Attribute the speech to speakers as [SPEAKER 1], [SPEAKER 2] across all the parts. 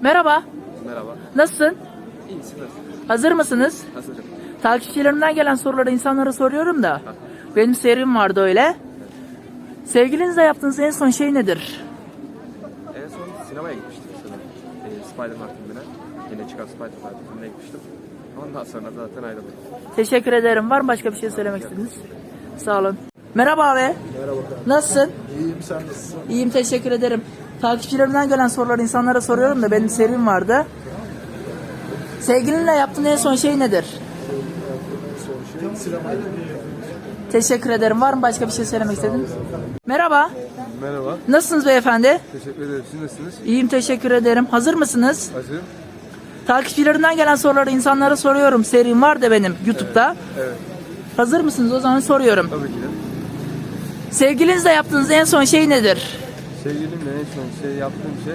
[SPEAKER 1] Merhaba.
[SPEAKER 2] Merhaba.
[SPEAKER 1] Nasılsın?
[SPEAKER 2] İyisi nasıl?
[SPEAKER 1] Hazır mısınız?
[SPEAKER 2] Hazırım.
[SPEAKER 1] Takipçilerimden gelen soruları insanlara soruyorum da. Benim serim vardı öyle. Sevgilinizle yaptığınız en son şey nedir?
[SPEAKER 2] En son sinemaya gitmiştim sanırım. Spider-Man filmine. Yine çıkan Spider-Man filmine gitmiştim. Ondan sonra zaten ayrıldık.
[SPEAKER 1] Teşekkür ederim. Var mı başka bir şey söylemek istediniz? Sağ olun. Merhaba abi.
[SPEAKER 3] Merhaba.
[SPEAKER 1] Nasılsın?
[SPEAKER 3] İyiyim, sen nasılsın?
[SPEAKER 1] İyiyim, teşekkür ederim. Takipçilerimden gelen soruları insanlara soruyorum da benim serim vardı. Sevgilinle yaptığın en son şey nedir?
[SPEAKER 3] Sinemaya
[SPEAKER 1] Teşekkür ederim. Var mı başka bir şey söylemek istediniz? Merhaba.
[SPEAKER 2] Merhaba.
[SPEAKER 1] Nasılsınız beyefendi?
[SPEAKER 2] Teşekkür ederim. Siz nasılsınız?
[SPEAKER 1] İyiyim, teşekkür ederim. Hazır mısınız?
[SPEAKER 2] Hazırım.
[SPEAKER 1] Takipçilerimden gelen soruları insanlara soruyorum. Serim var da benim YouTube'da.
[SPEAKER 2] Evet.
[SPEAKER 1] Hazır mısınız? O zaman soruyorum.
[SPEAKER 2] Tabii ki de.
[SPEAKER 1] Sevgilinizle yaptığınız en son şey nedir?
[SPEAKER 2] Sevgilimle en son yaptığım şey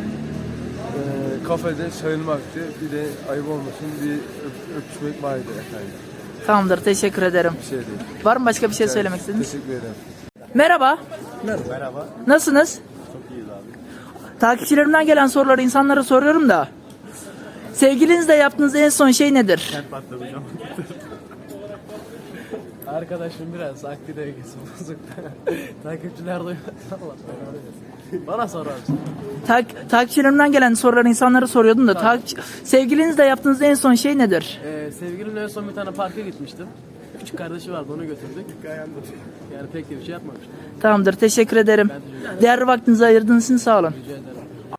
[SPEAKER 2] kafede sayılmaktı. Bir de ayıp olmasın bir öpüşmek vardı efendim.
[SPEAKER 1] Tamamdır, teşekkür ederim.
[SPEAKER 2] Bir şey değil.
[SPEAKER 1] Var mı başka bir şey söylemek istediniz?
[SPEAKER 2] Teşekkür ederim.
[SPEAKER 1] Merhaba.
[SPEAKER 3] Merhaba.
[SPEAKER 1] Nasılsınız?
[SPEAKER 3] Çok iyiyiz abi.
[SPEAKER 1] Takipçilerimden gelen soruları insanlara soruyorum da. Sevgilinizle yaptığınız en son şey nedir?
[SPEAKER 3] Kent patlatacağım. Arkadaşım biraz akli dengesi bozuk. Takipçiler duyuyor. Allah belanı versin. Bana sorar mısın?
[SPEAKER 1] Takipçilerimden gelen soruları insanlara soruyordum da. Sevgilinizle yaptığınız en son şey nedir?
[SPEAKER 4] Sevgilimle en son bir tane parka gitmiştim. Küçük kardeşi vardı, onu götürdük. Yani pek de bir şey yapmamıştım.
[SPEAKER 1] Tamamdır, teşekkür ederim. Değerli vaktinizi ayırdığınız için sağ olun.
[SPEAKER 4] Rica ederim.